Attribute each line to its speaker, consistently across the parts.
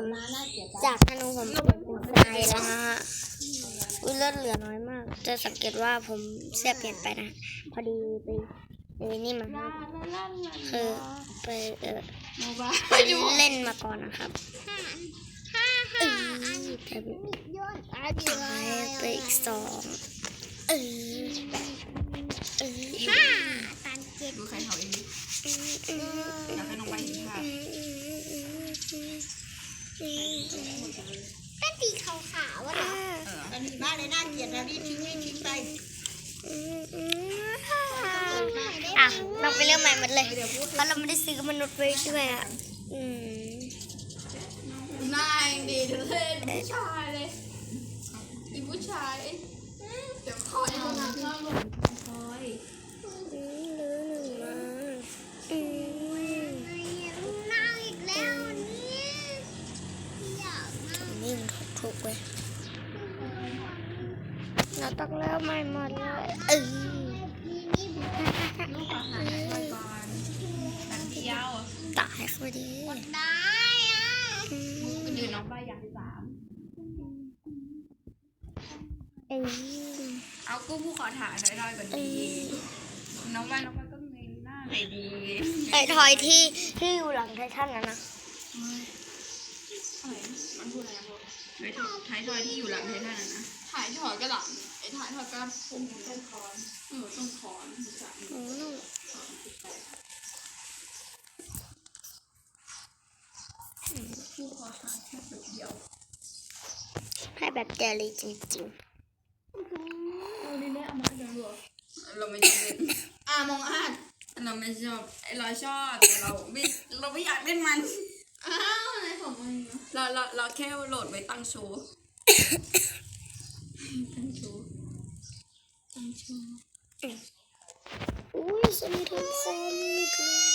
Speaker 1: ผมจากธนูผมเป็นทรายแล้วนะฮะเลือดเหลือน้อยมากจะสังเกตว่าผมเสื้อเปลี่ยนไปนะพอดีไปนี่มาคือไปเล่นมาก่อนนะครับไปอีก2
Speaker 2: ดูใครเขาเองอยากให้น้องไปเห็นภาพ
Speaker 3: ก็ตีขาวๆวะนะอันนี้บ้าเลยน่าเกลียดนะรีบทิ้งไป
Speaker 1: อ่ะเราไปเรื่องใหม่หมดเลยเพราะเราไม่ได้ซื้อมนุษย์ไว้ด้วยอ่ะ
Speaker 2: นายดีเธอเล่นผู้ชายเลยอีผู้ชายเดี๋ยวคอยเอาหน้าเข้าลงคอย
Speaker 1: นี่มันถูกเว้ยเราต้องเริ่มใหม่หมดเลย
Speaker 2: ลูกอาหารไปก่อนแต่เที่ยว
Speaker 1: ตายเขาดี
Speaker 3: ได้อ่ะ
Speaker 2: ยืนน้องไปอย่าง3เอากู้ผู้ขอถ่ายน้อยๆก่อนดีน้องไปก็เงยหน้าไหนดี
Speaker 1: ไอ้ทอยที่อยู่หลังไททันนะ
Speaker 2: มันพูดอะไรบ้างท้ายทอยที่อยู่หลังไททันนะถ่ายทอยก็หลังไอ้ถ่ายทอยก็พุ่งต้นคอนต้นคอนผู้ขอถ่ายแค่แบบเดียว
Speaker 1: ให้แบบเจลีจริง
Speaker 2: เราไม่ชอบมองอาดเราไม่ชอบเราชอบแต่เราไม่อยากเล่นมันอะไรของมันเราแค่โหลดไว้ตั้งโชว์
Speaker 1: อุ้ยสมทบคอมิกเลย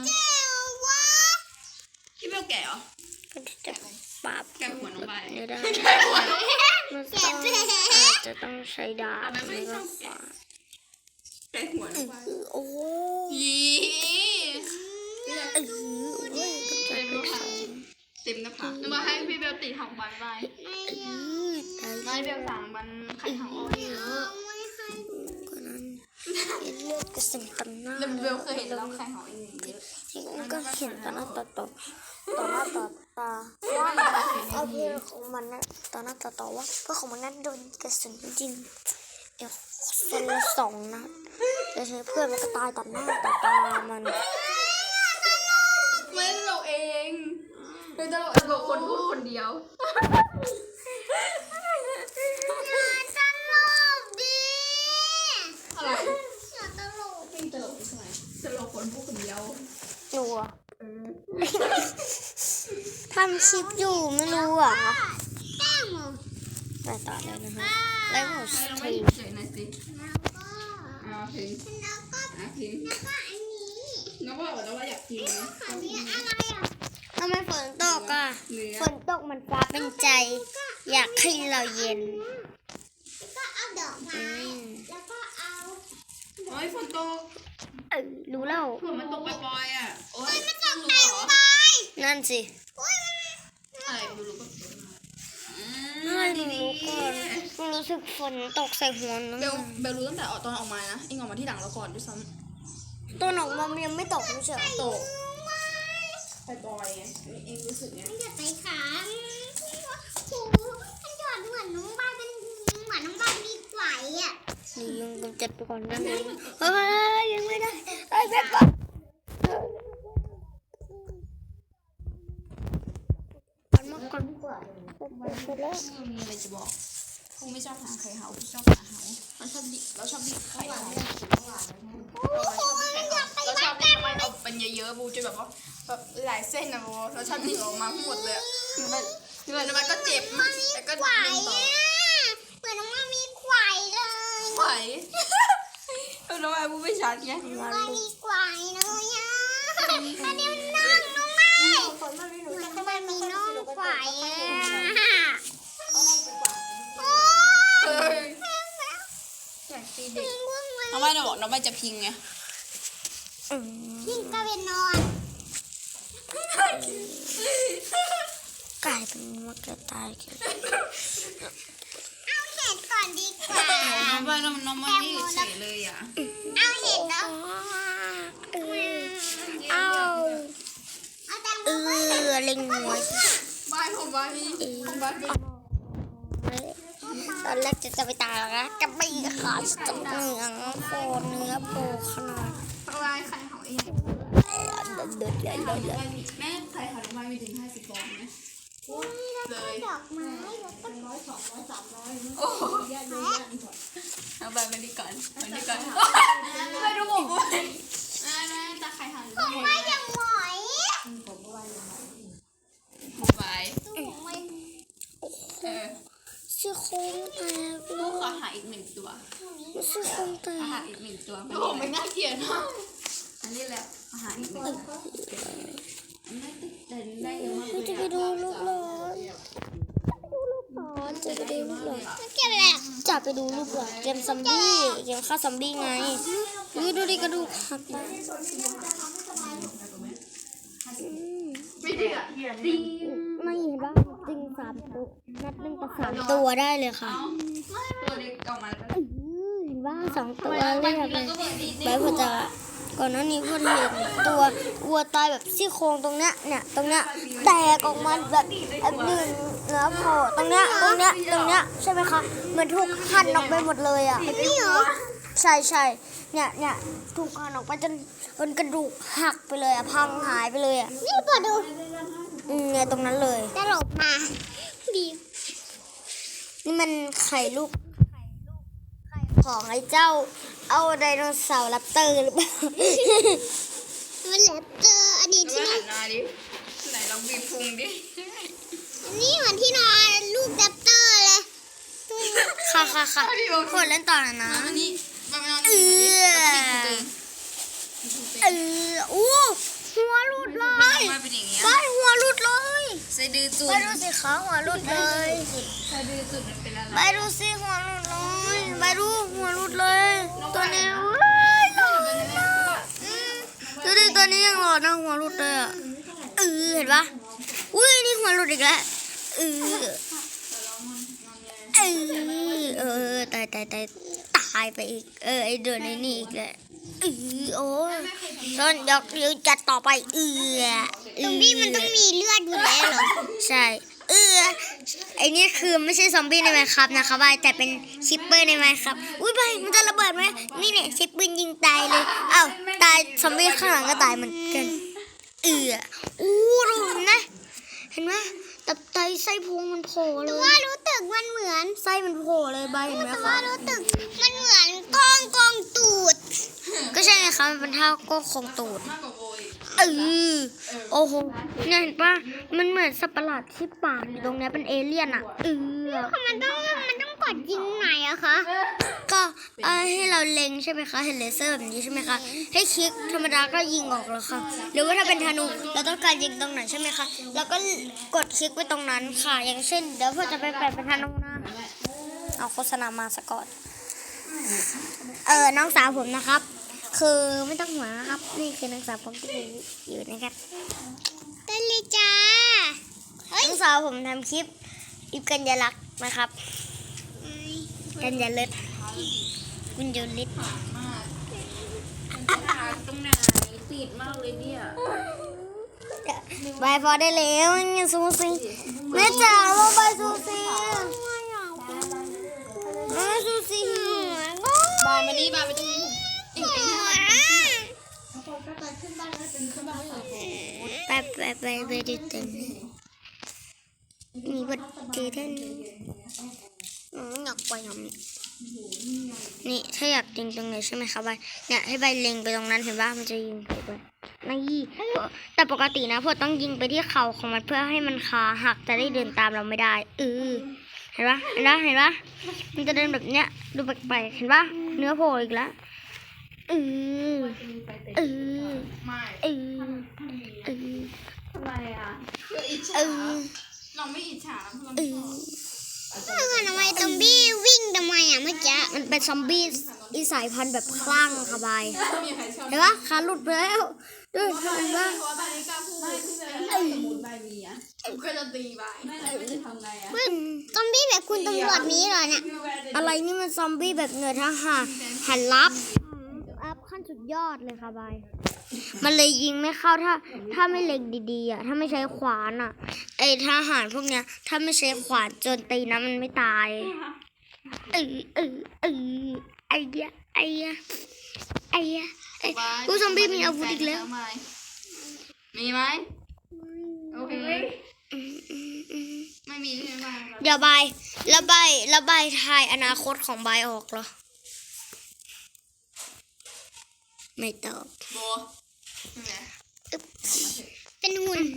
Speaker 2: พี่เบลแก่เหรอ
Speaker 1: ก็จะปราบ
Speaker 2: แก่หัวน้องใบ
Speaker 1: ไม่ได้มันอาจจะต้องใช้ดาบ
Speaker 2: ไม่ชอบแก่หัวน้องใบ
Speaker 1: โอ้
Speaker 2: เต็มหน้าผากมาให้พี่เบลตีหางบันไปไม่เบลสั่งบันไข่หางอ้อยเยอะ
Speaker 1: กว่านั้นเลือดกระสุนตันหน้า
Speaker 2: เบลเคยเห็นเราไข่หางอ้อยเยอะ
Speaker 1: ก็เห็นต่อหน้าต่อตาว่าเอาเพลงของมันนะต่อหน้าต่อว่าก็ของมันนั้นโดนกระสุนจริงคนละ2 นัดแต่ใช้เพื่อนมันก็ตายต่อหน้าต่อตามัน
Speaker 2: ไม่เราเองเราบอกคนพูดคนเดียวอะไร
Speaker 3: ตลก
Speaker 2: ไม่ตลกใช่ไหมตลกคนพูดคนเดียว
Speaker 1: หนูทำคลิปอยู่ไม่รู้อ่ะไปต่อเลยนะคะแล้วหมดที
Speaker 2: เฉยๆนะสิพิงน้องว่าอยากกินนะ
Speaker 1: ทำไมฝนตกอ่ะฝนตกมันฟ้าเป็นใจอยากให้เราเย็น
Speaker 3: ก็เอาดอกไม้แล้วก็เอา
Speaker 2: โอ้ยฝนตก
Speaker 1: รู้แล้ว
Speaker 2: ฝนมันตกปล่อยๆอ่ะโอ้ย
Speaker 3: ไม่ตกเต็มใบ
Speaker 1: นั่นสิ
Speaker 2: อะไรดูรู้ก็
Speaker 1: ไม่รู้ก่อนรู้สึกฝนตกใส่หัวนะ
Speaker 2: เบลรู้ตั้งแต่ตอนออกมานะเอ็งออกมาที่หลังเราก่อนด้วยซ้
Speaker 1: ำตอนออกมายังไม่ตกไม่ใช่
Speaker 2: ตกปล่อยไงเอ็งรู้สึกไง
Speaker 3: มันหยดไปขาโอ้มันหยดเหมือนน้องใบเป็นเหมือนน้องใบมีไฝอ่ะ
Speaker 1: นี่ยังกำจัดไปก่อนนะเฮ้ยยังไม่ได้ไอ้แม่ก่อนก่อน
Speaker 2: มีอะไรจะบอกคงไม่ชอบหาไข่เหาชอบหาเหาเราชอบดิไข่เหาเราชอบดิมันเอาเป็นเยอะๆบูจนแบบว่าแบบหลายเส้นนะบูเราชอบดิออกมาหมดเลยมันก็เจ็บแต่ก็ดึงต่อ
Speaker 3: เหมือนน้องมีไขว่เลย
Speaker 2: ไขว่น้องบูไม่ชัดไง
Speaker 3: มันมีไขว่เลยอ่ะอันนี้มันนั่งน้องไม่มันมีน้องไขว่
Speaker 2: น้องไม่จะบอกน้องไม่จะพิงไง
Speaker 3: พิงก็เป็นนอน
Speaker 1: กลายเป็นว่ากระต่ายกัน
Speaker 3: เอาเห็ดก่อนดีกว่า
Speaker 2: น้องไปน้องมานี่เฉยเลยอ่ะ
Speaker 3: เอาเห็ดแล้ว
Speaker 1: เอา
Speaker 3: เอาแตงโม
Speaker 1: เล็งหัว
Speaker 2: บายผมบายมีบายมี
Speaker 1: ตอนแรกจะไปตายแล้วนะจะไปขาดจับเนื้อโผล่ขนาด
Speaker 2: บายไข่หอย
Speaker 1: เดือดเลย
Speaker 2: แม่ไข่หอยบายมีถึง50 ฟองไหมเลย
Speaker 3: ดอกไม้แล้วก็
Speaker 2: โอ้เอาบายมาดีก่อนมาดีก่อนไปดูผมด้วยแม่ตาไข่หอย
Speaker 3: ผมไม่ยังหมอย
Speaker 2: บาย
Speaker 1: ซี่โครงแตก
Speaker 2: ลูกขอหาอีก1 ตัว
Speaker 1: ซี่โครงแต
Speaker 2: หาก อีก1 ตัวผมไม่น่าเกลียดมากอันนี้แหละอาหารอีก1 ตัวไม่ติดแต่ได้เยอะมากเลย
Speaker 1: จะไปดูลูกหลานจะไปดูลูกหลาน
Speaker 3: เก็บอะไร
Speaker 1: จะไปดูลูกหลานเกมซอมบี้เกมฆ่าซอมบี้ไงดูดิกระดูกหัก
Speaker 2: ไม่เดือดดี
Speaker 1: ไม่เห็นว่าจริง3 ตัวนัด1 ต่อ 3 ตัวได้เลยค่ะ
Speaker 2: ตัวเล็กออกมาแล้ว
Speaker 1: เห็นว่า2 ตัวเลยค่ะใบพอจะก่อนหน้านี้พอเห็นตัววัวตายแบบซี่โครงตรงเนี้ยเนี่ยตรงเนี้ยแตกออกมาแบบดึงเนื้อโผล่ตรงเนี้ยใช่ไหมคะเหมือนถูกหั่นออกไปหมดเลยอ่ะนี่เหรอใช่เนี่ยถูกหั่นออกไปจนกระดูกหักไปเลยอ่ะพังหายไปเลยอ่ะ
Speaker 3: นี่เปิดดู
Speaker 1: เนี่ยตรงนั้นเลย
Speaker 3: จะหลบมาดี
Speaker 1: นี่มันไข่ลูกของไอ้เจ้าเอาไดโนเสาร์แรปเตอร์หรือเปล่า
Speaker 3: มันแลบเจออันนี้ที่
Speaker 2: หั
Speaker 3: นี่
Speaker 2: นมาดิไหนลองบีบพุงดิ
Speaker 3: อันนี้เหมือนที่นอนลูกแรปเตอร์เลย
Speaker 1: ค่ะคนเล่นต่อนะ
Speaker 2: อันนี้มันนอน
Speaker 1: อู้หัวหลุดเลย
Speaker 2: มาเป็นอย่างเงี้ย
Speaker 1: ใบหัวหลุดเลย
Speaker 2: ใส่ดื้อจุด
Speaker 1: ใบดูสิขาหัวหลุดเลย
Speaker 2: ใส่ดื้อจุดมันเป็นอะไร
Speaker 1: ใบดูสิหัวหลุดเลยใบดูหัวหลุดเลย ตัวนี้ดูดิตัวนี้ยังหลอดนะหัวหลุดเลยอ่ะเห็นปะอุ้ยนี่หัวหลุดอีกแล้วตายไปอีกไอเดือนนี้อีกแล้วโอ้ยตอนยกนิ้วจัดต่อไป
Speaker 3: ตรงนี้มันต้องมีเลือดอยู่แล้วเหรอ
Speaker 1: ใช่ไอนี่คือไม่ใช่ซอมบี้ในไมน์ครับนะคะบายแต่เป็นชิปเปอร์ในไมน์ครับอุ้ยบายมันจะระเบิดไหมนี่เนี่ยชิปปืนยิงตายเลยอ้าวตายซอมบี้ข้างหลังก็ตายเหมือนกันอู้ดูนะเห็นไหมตับไตไส้พุงมันโผล่เล
Speaker 3: แต่
Speaker 1: ย
Speaker 3: ว่ารู้ตึกมันเหมือน
Speaker 1: ไส้มันโผล่เลยบายเห็นไหม
Speaker 3: แต่
Speaker 1: คะ
Speaker 3: ว่ารู้ตึกมันเหมือนกองตูด
Speaker 1: ก็ใช่ไงคะมันเป็นเท่าก็คงตูด
Speaker 2: มากกว่าโวย
Speaker 1: โอ้โหเนี่ยเห็นปะมันเหมือนสัตว์ประหลาดที่ปากอยู่ตรงเนี้ยเป็นเอเลี่ยนอ่ะ
Speaker 3: มันต้องกดยิงไหนอะคะ
Speaker 1: ก็ให้เราเล็งใช่ไหมคะเห็นเลเซอร์แบบนี้ใช่ไหมคะให้คลิกธรรมดาก็ยิงออกแล้วค่ะหรือว่าถ้าเป็นธนูเราต้องการยิงตรงไหนใช่ไหมคะแล้วก็กดคลิกไปตรงนั้นค่ะอย่างเช่นเดี๋ยวพ่อจะไปแปะเป็นธนูนะเอาโฆษณามาสะก่อนน้องสาวผมนะครับ คือไม่ต้องห่วงนะครับนี่คือน้องสาวผมที่อยู่นะครับ
Speaker 3: เต้นเลยจ้า
Speaker 1: น้องสาวผมทำคลิปกัญญาลักษณ์นะครับกัญญาเลิศกุญยลิศ
Speaker 2: มากตรงไหนติดมากเลยเนี่ย
Speaker 1: บายพอได้แล้วงั้นซูซี่แม่จ๋าว่าบายซูซี่ซูซี่
Speaker 2: บายมานี่บายไปตรงนี้
Speaker 1: ไปดูเต็มมีบัตรเจอท่านอยากไปทำนี่ถ้าอยากยิงตรงไหนใช่ไหมคะใบเนี่ยให้ใบเล็งไปตรงนั้นเห็นว่ามันจะยิงไปด้วยนี่แต่ปกตินะพวกต้องยิงไปที่เข่าของมันเพื่อให้มันขาหักจะได้เดินตามเราไม่ได้เห็นปะมันจะเดินแบบเนี้ยดูแปลกๆเห็นปะเนื้อโผล่อีกแล้ว
Speaker 2: ทำไมอ่ะคืออิจฉาเราไม่อิจฉาเราไม่ชอบ
Speaker 3: ทำไมซอมบี้วิ่งทำไมอ่ะเมื่อกี้
Speaker 1: มันเป็นซอมบี้อีสายพันธุ์แบบคลั่งค่ะบาย
Speaker 2: ไม่มีใครชอบ
Speaker 1: เห็นปะขาหลุดไปแล้วดูเห็นปะ
Speaker 2: เพราะว่าใบนี้กล้าพูดไม่ที่สมมติใบมีอ่ะก็จะตีใบไม่จะทำไงอ่ะ
Speaker 3: ซอมบี้แบบคุณตำรวจนี้เหรอเนี่ย
Speaker 1: อะไรนี่มันซอมบี้แบบเหนือทหารหันลับอัพขั้นสุดยอดเลยค่ะบาย มันเลยยิงไม่เข้าถ้าไม่เล็งดีๆอ่ะถ้าไม่ใช้ขวานอ่ะไอทหารพวกเนี้ยถ้าไม่ใช้ขวานโจนตีนะมันไม่ตายไอ้เหี้ยผู้ซอมบี้มีอาวุธอีกแล้ว
Speaker 2: มีไหมโอเคไม่มีใช่ไหม
Speaker 1: เดี๋ยวระบายทายอนาคตของใบออกเหรอไม่ตอบ
Speaker 2: โบใช่ไหม
Speaker 3: เป็นหุ่น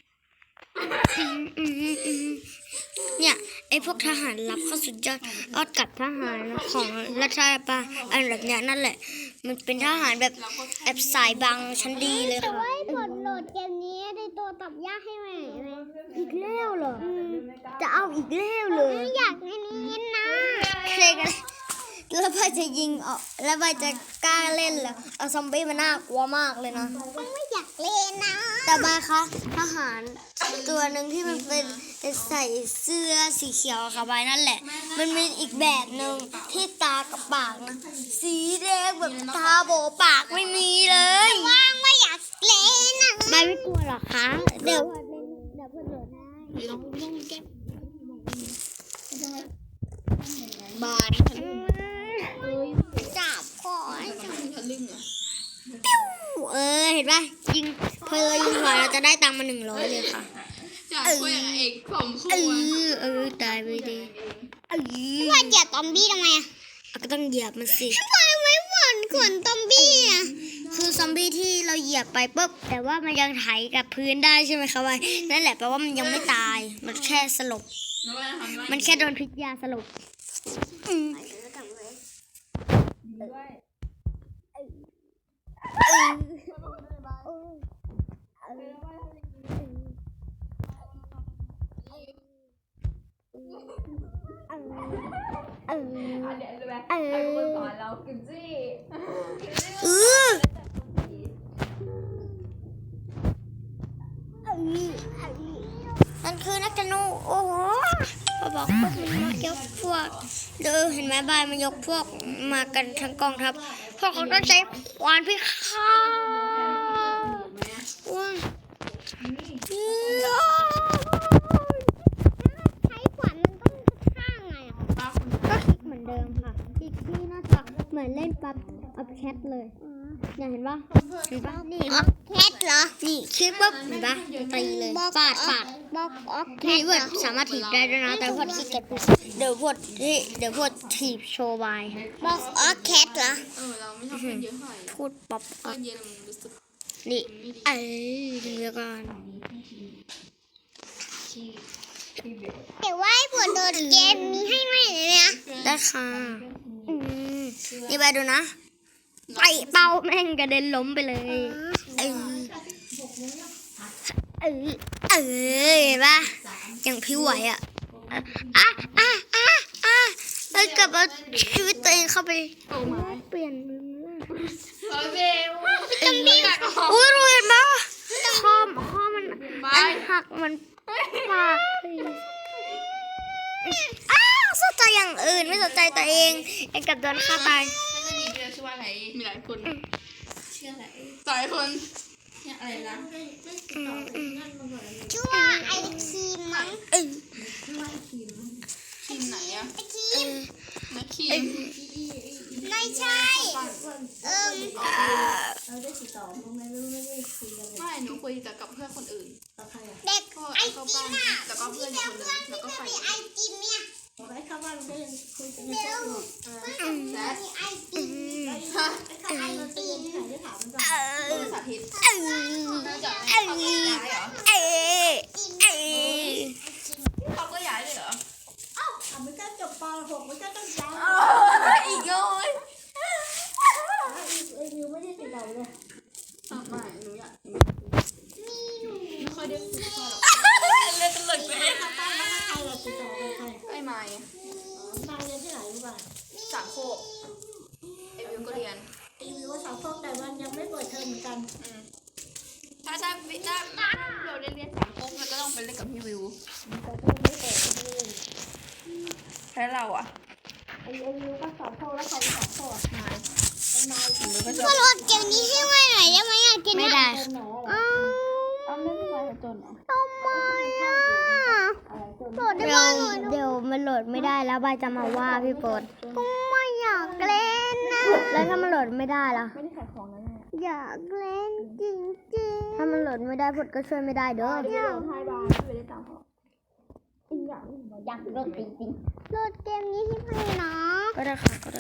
Speaker 1: เนี่ยไอพวกทหารลับเขาสุดยอดอดกับทหารของรัฐบาลอันแบบเนี้ยนั่นแหละ มันเป็นทหารแบบแอบสายบังชั้นดีเลยค่ะ
Speaker 3: ไว้กดโหลดเกมนี้ได้ตัวตับยากให้ไหม
Speaker 1: อีกแล้วเหรอจะเอาอีกแล้วเลย
Speaker 3: อยากให้นี้นะ
Speaker 1: เพลงอะไรแล้วใบจะยิงออกแล้วใบจะกล้าเล่นเหรอเอาซอมบี้มันน่ากลัวมากเลยนะ
Speaker 3: ไม่อยากเล่นนะ
Speaker 1: แต่ใบคะทหารตัวหนึ่งที่มันเป็นใส่เสื้อสีเขียวค่ะใบนั่นแหละ มันมีอีกแบบหนึ่งที่ตากับปากนะสีแดงแบบตาโบปากไม่มีเลย
Speaker 3: ว่างไม่อยากเล่นนะ
Speaker 1: ใบไม่กลัวหรอคะเดี๋ยวเพื่อนโหลดให้บาย
Speaker 3: จับคอ
Speaker 2: ทะลึ่งอ่ะ
Speaker 1: เห็นป่ะยิงเพลยิงหัวเราจะได้ตังค์มา100เลยค่ะ
Speaker 2: จากคุยกับเอกผมคู่
Speaker 1: ตายไปดิ
Speaker 3: ว่าจะซอมบี้ทำไมอ่ะ
Speaker 1: ก็ต้องเหยียบมันสิ
Speaker 3: ทำไมไม่บ่นขนซอมบี้อ่ะ
Speaker 1: คือซอมบี้ที่เราเหยียบไปปุ๊บแต่ว่ามันยังไถกับพื้นได้ใช่ไหมคะวายนั่นแหละแปลว่ามันยังไม่ตาย มันแค่สลบ มันแค่โดนพิษยาสลบนั่นคือนักธนูโอ้โหพอบอกพวกมันมายกพวกเห็นไหมบายมันยกพวกมากันทั้งกองทัพพวกเขาต้องใช้ขวานพิฆาตว้า
Speaker 3: ใช้ขวานมันต้องข้างไงอ่ะ
Speaker 1: ก็คลิกเหมือนเดิมค่ะคลิกที่หน้าจอเหมือนเล่นปั๊บอัพแคทเลยเนี่ยเห็นปะนี่
Speaker 3: แคทเหรอ
Speaker 1: นี่คลิกปุ๊บเห็นปะตีเลยฟาด
Speaker 3: บอกออกแค
Speaker 1: นี่
Speaker 3: ท
Speaker 1: เวิร์ดสามารถถีบได้ด้วยนะแต่พวดขี้เกียจพูดเดี๋ยวพวดถีบโชว์บาย
Speaker 3: บอกออกแคทเหรอ
Speaker 2: เราไม่ชอบเพื่อนเยอะเท่าไหร่
Speaker 1: พูดป๊อป
Speaker 2: เพื่อนเยอะมันรู้สึก
Speaker 1: นี่เดี๋ยวก่อน
Speaker 3: แต่ว่าให้ผลโดดเกมนี้ให้ไหมเลยนะ
Speaker 1: ได้ค่ะนี่ไปดูนะไปเป้าแม่งกระเด็นล้มไปเลยเห็นปะอย่างพิ้วไหวอ่ะแล้วกลับเอาชีวิตตัวเองเข้าไปเปลี่ยนมือ
Speaker 2: โอเค
Speaker 1: อุ้ยรู้เห็นปะข้อมันอันหักมันปากสนใจอย่างอื่นไม่สนใจตัวเองไอ้กับโดนฆ่าตาย
Speaker 2: ไม่ได้มีเยอะชื่อว่าอะไรมีหลายคนชื่ออะไรหลายคนเนี่ยอะไรนะ
Speaker 3: ชื่อว่าไอคีมมั้ง
Speaker 2: ทีมไหนอะ
Speaker 3: ไอคีม
Speaker 2: นักคีม
Speaker 3: ไม่ใช่
Speaker 2: ไม่หนูคุยแต่กับเพื่อนคนอื่น
Speaker 3: เด็ก
Speaker 2: ก็
Speaker 3: ไอ
Speaker 2: เข้า
Speaker 3: จี
Speaker 2: บ้าน
Speaker 3: มอ่ะ
Speaker 2: แล้วก็เพื่อนอีกคนนึงแล้วก็ไป
Speaker 3: ไอจีมเนี่ยเดี๋ยวมีไอจีม
Speaker 2: ฮะ
Speaker 3: ไอจีม
Speaker 2: สาธิตน่าจะเขาก็ย้ายเลยเหรออีกเลยไม่หนูอยากไม่ค่อยได้คุยกับเล่นตลกไปไอ้ไม้
Speaker 3: นายเรียนที่ไหนรู้ป่ะ
Speaker 2: สามโคกไอวิวก็เรียน
Speaker 3: ตีวิวว่าสาวพวกแต่วันยังไม่เปิดเทอมเหมือนกัน
Speaker 2: ถ้าเราได้เรียนสามโคกมันก็ต้องไปเล่นกับพี่วิว
Speaker 3: แต่ก็ยังไม่เปิดเทอม
Speaker 2: แล้วเราอ่ะ
Speaker 3: ไอ้วิวก็สาวพวกแล้วใครสาวพวก
Speaker 2: นาย
Speaker 3: ไอ้นาย
Speaker 2: วิวก็จะ
Speaker 3: ก็รถเกมนี้ให้ไว้หน่อยได้ไหมอ่ะกิน
Speaker 1: ไม่ได้
Speaker 3: เป็นหนอเหรอ
Speaker 2: เอาไม่เป็นไรจนเหรอ
Speaker 3: ทำไมอ่ะโหลดได้
Speaker 1: เดี๋
Speaker 3: ไห
Speaker 1: ย
Speaker 3: ม
Speaker 1: วเดี๋ยวมันโหลดไม่ได้แล้วใบจะมาว่าพี่โปรด
Speaker 3: ก็ไม่อยากเล่นนะ
Speaker 1: แล้วถ้ามันโหลดไม่ได้ล่ะ
Speaker 2: ไม่ได้ขายของนะแม่
Speaker 3: อยากเล่นจริง
Speaker 1: ถ้ามันโหลดไม่ได้พดก็ช่วยไม่ได้เด้อ
Speaker 2: เดี๋ยวไทยบาร์ไม่ได้ตังค์เขา
Speaker 3: ๆอยากเล่นจริงๆโหลดเกมนี้ให้พี่นะ
Speaker 1: ก็ได้ค่ะก็ได้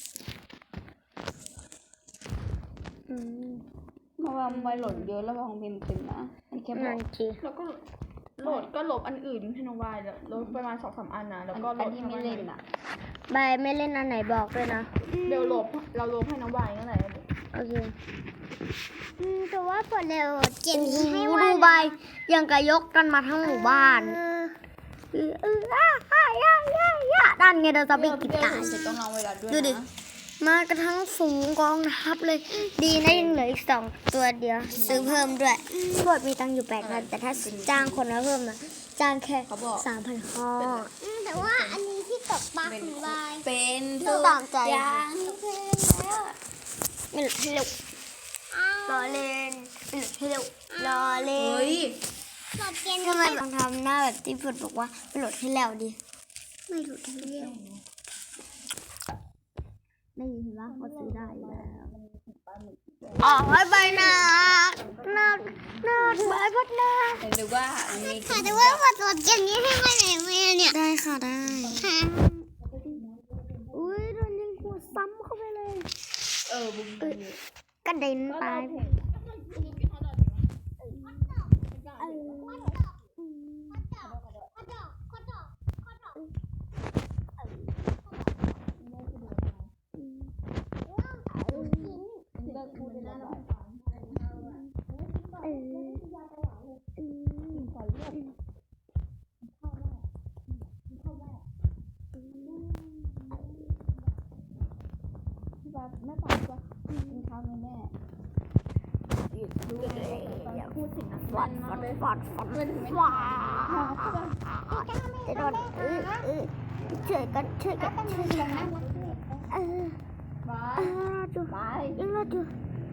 Speaker 1: อืม
Speaker 2: เพราะว่าไวโหลดเยอะแล้วของพิมพ์เต็มนะมันแค่บอ
Speaker 1: นั่
Speaker 2: ก
Speaker 1: นจี
Speaker 2: แล้วก็โหลดก็ลบอันอื่นให้น้องวายแล้วลบประมาณ2-3 อันนะแล้วก็โหลดที่ไม่เล่นอ่ะ
Speaker 1: ใบไม่เล่นอันไหนบอกด้วยนะ
Speaker 2: เดี๋ยวเราลบให้น้องวายนั่นแหละ
Speaker 1: โอเค
Speaker 3: แต่ว่าพอเร็วเกม
Speaker 1: โอ้โห
Speaker 3: นี้ให้
Speaker 1: ดู
Speaker 3: ไว้
Speaker 1: ใบยังกะยกกันมาทั้งหมู่บ้านด้านไงเราจะไปกินตาย
Speaker 2: เสร็จต้องรอเวลาด้วย
Speaker 1: ดูดิ
Speaker 2: นะ
Speaker 1: มากระทั่งฝูงกองทัพเลย ดีนะยังเหลืออีก2 ตัวเดียว ซื้อเพิ่มด้วยโปรดมีตังค์อยู่8,000แต่ถ้าจ้างคนมาเพิ่มอะจ้างแค่ 3,000 ข้อ
Speaker 3: แต่ว่าอันนี้ที่ตกปลาของบาย
Speaker 2: เป็น
Speaker 1: ตามใจ
Speaker 2: อย่าง
Speaker 1: ไม่หลุดให้เร็วรอเล่นไม่หลุดให้เร็วรอเล่
Speaker 2: เฮ้
Speaker 1: น
Speaker 2: ย
Speaker 3: หลอดเกม
Speaker 1: ทำไมลองทำหน้าแบบที่พูดบอกว่าไม่หลุดให้แล้วดิไม่หลุดให้เร็วได้ยินปะเขาซื้อได้แล้วอ๋อใบหนักใบพัดหนัก
Speaker 2: หรือว่ามันมี
Speaker 3: ค่ะแต่ว่าพอโหลดเกมนี้ให้ไว้ไหนไหมเนี่ย
Speaker 1: ได้ค่ะได้
Speaker 3: ค่ะ
Speaker 1: อุ้ยโดนยิงหัวซ้ำเข้าไปเลย
Speaker 2: บุ้ม
Speaker 1: กระเด็นตาย
Speaker 2: แม่ปากว่ากินข้าวไหมแม่อย่าพูดถึงนะฟันมาเลย
Speaker 1: ฟันว้าจะโดนช่วยกัน
Speaker 2: บาย
Speaker 1: ดู
Speaker 2: บาย
Speaker 1: ยังรอดู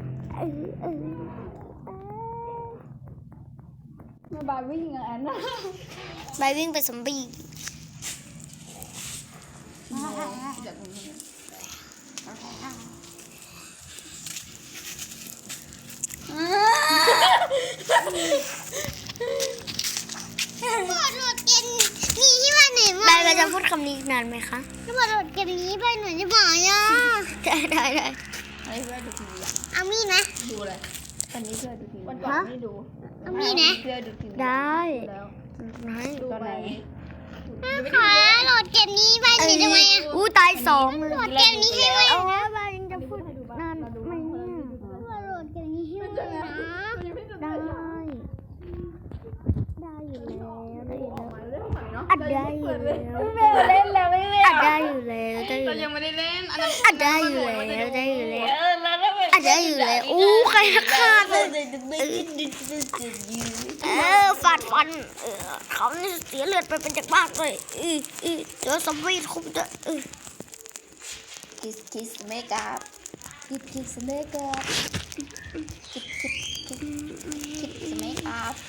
Speaker 2: แม่บายวิ่งอย่างนั้นนะ
Speaker 1: ใบวิ่งไปสมบี
Speaker 2: เดี๋ยวผม
Speaker 3: พอโหลดเกมนี้ให้ไว้ไหน
Speaker 1: ใบ
Speaker 3: มา
Speaker 1: เราจะพูดคำนี้อีกนานไหมคะ
Speaker 3: ถ้าพอโหลดเกมนี้ไปหนูจะบอกย่า
Speaker 1: ได้
Speaker 2: ไอ้เพื่อนดูทีวีอ่ะ
Speaker 3: เอามีดนะ
Speaker 2: ดูอะไรวันนี้เพื่อนดูทีวีวันก่อนไม่ดู
Speaker 3: เอามีดนะ
Speaker 2: เพื่อนดูทีวี
Speaker 1: ได้
Speaker 2: แล้ว
Speaker 1: ไหน
Speaker 2: ดูตอนไหน
Speaker 3: ขอโหลดเกมนี้ไปหนูจะมา
Speaker 1: อู้ตาย2เลย
Speaker 3: โหลดเกมนี้ให้ไว้
Speaker 1: เอาใบยังจะพูดนานไหมเนี่ย
Speaker 3: พอโหลดเกมนี้ให้ไว้นะ
Speaker 1: ได้อยู่แล้ว
Speaker 2: อั
Speaker 1: อั
Speaker 2: ด
Speaker 1: ด
Speaker 2: ได้
Speaker 1: ได้
Speaker 2: อ
Speaker 1: อยู่ ยู่
Speaker 2: แล้
Speaker 1: แล้ว ว
Speaker 2: แม่เล่นแล้วไม่เล่น
Speaker 1: อัดได้อยู่แล้วได้อยู่
Speaker 2: เรา
Speaker 1: แล้ว
Speaker 2: ยังไม่ได้เล่นอันนั้น
Speaker 1: อัดได้อยู่แล้วได้อยู่แล้ว
Speaker 2: แล้วแล้ว
Speaker 1: อัดได้อยู่แล้วอู้ใครฆ่าเลยฟันเขานี่เสียเลือดไปเป็นจากบ้านเลยเดี๋ยวสวีทคุมจะ
Speaker 2: คิสเมคอัพคิสเมคอัพคิสเมคอัพ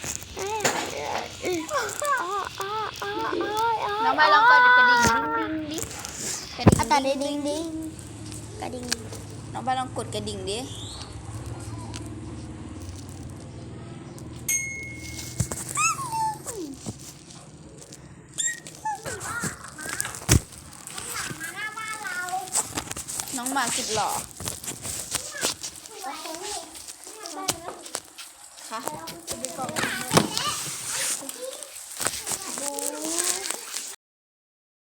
Speaker 2: น้องไปลองกดกระดิ่งดิกระดิ่ง
Speaker 1: แต่ดิ้งกระดิ่ง
Speaker 2: น้องไปลองกดกระดิ่งดิน้องหมาสุดหล่อค่ะ